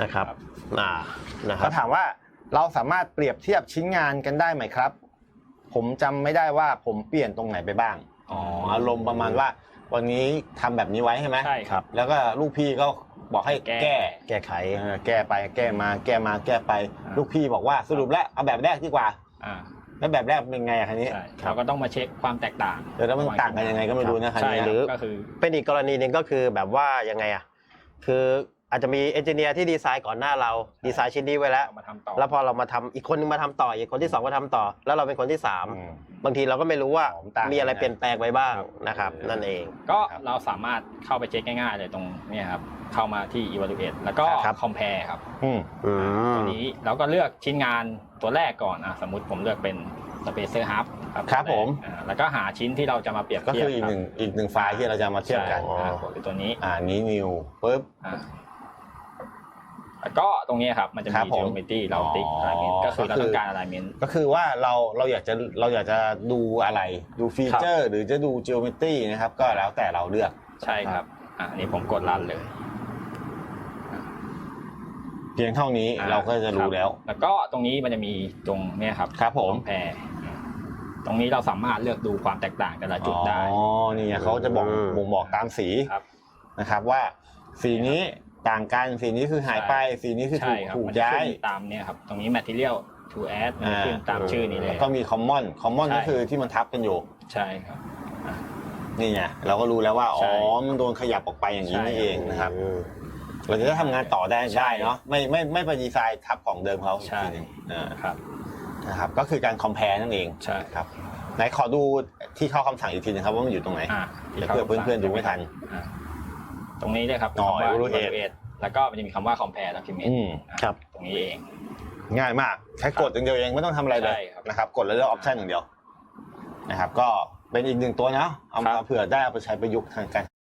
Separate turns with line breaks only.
นะครับ
เขาถามว่าเราสามารถเปรียบเทียบชิ้นงานกันได้ไหมครับผมจำไม่ได้ว่าผมเปลี่ยนตรงไหนไปบ้างอารมณ์ประมาณว่าวันนี้ทำแบบนี้ไว้ใช่ไหม
ใช่ครับ
แล้วก็ลูกพี่ก็บอกให้แก้ไขแก้ไปแก้มาแก้มาแก้ไปลูกพี่บอกว่าสรุปแล้วเอาแบบแรกดีกว่าแล้วแบบแรกเป็นไงคันนี้
เราก็ต้องมาเช็คความแตกต่าง
แล้วมันต่างกันยังไงก็ไม่รู้นะคันนี้
หรือเป็นอีกกรณีนึงก็คือแบบว่ายังไงคืออาจจะมีเอนจิเนียร์ที่ดีไซน์ก่อนหน้าเราดีไซน์ชิ้นนี้ไว้แล้วแล้วพอเรามาทำอีกคนนึงมาทำต่ออีกคนที่2มาทำต่อแล้วเราเป็นคนที่3บางทีเราก็ไม่รู้ว่ามีอะไรเปลี่ยนแปลงไปบ้างนะครับนั่นเอง
ก็เราสามารถเข้าไปเช็คง่ายๆเลยตรงนี้ครับเข้ามาที่ evaluate แล้วก็ compare ครับตัวนี้เราก็เลือกชิ้นงานตัวแรกก่อนสมมุติผมเลือกเป็น spacer hub
ครับผม
แล้วก็หาชิ้นที่เราจะมาเปรียบเทียบ
ก็คืออีกหนึ่งไฟล์ที่เราจะมาเทียบกัน
คือตัวนี้
นี้ new ปึ๊บ
แล้วก็ตรงนี้ครับมันจะมี geometry เราติ๊ก alignment ก็คือเราต้องการ alignment
ก็คือว่าเราอยากจะดูอะไรดูฟีเจอร์หรือจะดู geometry นะครับก็แล้วแต่เราเลือก
ใช่ครับอันนี้ผมกดรันเลย
เพียงเท่านี้เราก็จะรู้แล้ว
แล้วก็ตรงนี้มันจะมีตรงนี้ครับ
ผม
แพรตรงนี้เราสามารถเลือกดูความแตกต่างแต่ละจุดได้
นี่เขาจะบอกตามสีนะครับว่าสีนี้ต่างกันสีนี้คือหายไปสีนี้คือถูกย้าย
ตามเนี่ยครับตรงนี้ material to add ขึ้นตามชื่อนี้เลย
ก็มี common ก็คือที่มันทับกันอยู่
ใช่ครับ
นี่ไงเราก็รู้แล้วว่ามันโดนขยับออกไปอย่างนี้นี่เองนะครับเราจะทำงานต่อได้เนาะไม่ไปดีไซน์ทับของเดิมเขา
ใช่
นะครับก็คือการ compare นั่นเอง
ใช่
ครับไหนขอดูที่เข้าคำสั่งอีกทีนะครับว่ามันอยู่ตรงไหนเพื่อเพื่อนๆดูไม่ทัน
ตรงนี้เลยครับคำว่า evaluate แล้วก็มันจะมีคำว่า compare document
ครับ
ตรงนี้เอง
ง่ายมากแค่กดอย่างเดียวเองไม่ต้องทำอะไรเลยนะครับกดแล้วเลือก option อย่างเดียวนะครับก็เป็นอีกหนึ่งตัวนะเอามาเผื่อได้เอาไปใช้ประยุกต์ทางการ